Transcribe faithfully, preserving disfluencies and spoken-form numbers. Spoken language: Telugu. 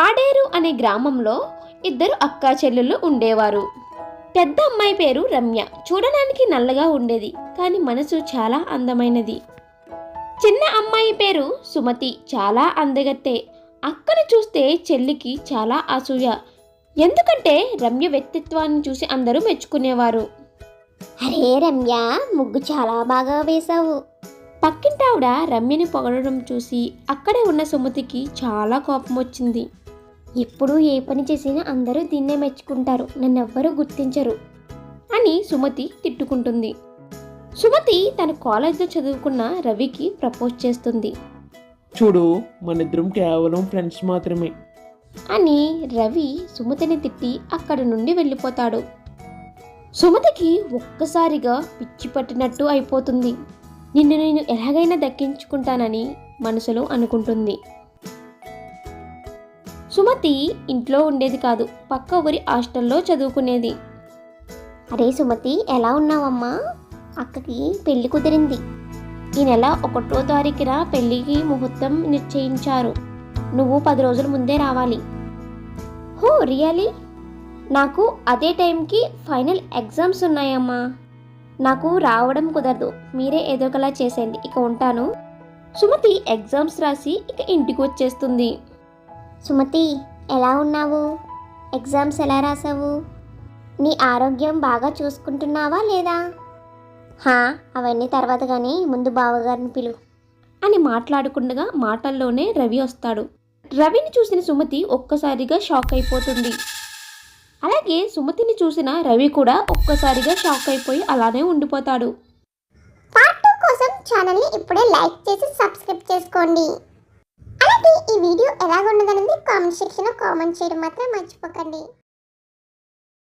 పాడేరు అనే గ్రామంలో ఇద్దరు అక్కా చెల్లెళ్ళు ఉండేవారు. పెద్ద అమ్మాయి పేరు రమ్య. చూడడానికి నల్లగా ఉండేది, కానీ మనసు చాలా అందమైనది. చిన్న అమ్మాయి పేరు సుమతి. చాలా అందగత్తే. అక్కను చూస్తే చెల్లికి చాలా అసూయ. ఎందుకంటే రమ్య వ్యక్తిత్వాన్ని చూసి అందరూ మెచ్చుకునేవారు. అరే రమ్య, ముగ్గు చాలా బాగా వేశావు. పక్కింటావిడ రమ్యని పొగడడం చూసి అక్కడే ఉన్న సుమతికి చాలా కోపం వచ్చింది. ఎప్పుడు ఏ పని చేసినా అందరూ దీన్నే మెచ్చుకుంటారు, నన్నెవ్వరూ గుర్తించరు అని సుమతి తిట్టుకుంటుంది. సుమతి తన కాలేజ్లో చదువుకున్న రవికి ప్రపోజ్ చేస్తుంది. చూడు, మనిద్దరం కేవలం ఫ్రెండ్స్ మాత్రమే అని రవి సుమతిని తిట్టి అక్కడి నుండి వెళ్ళిపోతాడు. సుమతికి ఒక్కసారిగా పిచ్చి పట్టినట్టు అయిపోతుంది. నిన్ను నేను ఎలాగైనా దక్కించుకుంటానని మనసులో అనుకుంటుంది. సుమతి ఇంట్లో ఉండేది కాదు, పక్క ఊరి హాస్టల్లో చదువుకునేది. అరే సుమతి, ఎలా ఉన్నావమ్మా? అక్కకి పెళ్లి కుదిరింది. ఈ నెల ఒకటో తారీఖున పెళ్లికి ముహూర్తం నిశ్చయించారు. నువ్వు పది రోజుల ముందే రావాలి. హో రియలీ? నాకు అదే టైంకి ఫైనల్ ఎగ్జామ్స్ ఉన్నాయమ్మా. నాకు రావడం కుదరదు. మీరే ఏదో ఒకలా చేసేయండి. ఇక ఉంటాను. సుమతి ఎగ్జామ్స్ రాసి ఇక ఇంటికి వచ్చేస్తుంది. సుమతి, ఎలా ఉన్నావు? ఎగ్జామ్స్ ఎలా రాసావు? నీ ఆరోగ్యం బాగా చూసుకుంటున్నావా లేదా? హా, అవన్నీ తర్వాత కానీ ముందు బావగారిని పిలు అని మాట్లాడుకుండగా మాటల్లోనే రవి వస్తాడు. రవిని చూసిన సుమతి ఒక్కసారిగా షాక్ అయిపోతుంది. అలాగే సుమతిని చూసిన రవి కూడా ఒక్కసారిగా షాక్ అయిపోయి అలానే ఉండిపోతాడు. పార్ట్ టూ కోసం ఛానల్ని ఇప్పుడే లైక్ చేసి సబ్స్క్రైబ్ చేసుకోండి. అలాగే ఈ వీడియో ఎలాగున్నదనేది కామెంట్ సెక్షన్లో కామెంట్ చేయడం మాత్రం మర్చిపోకండి.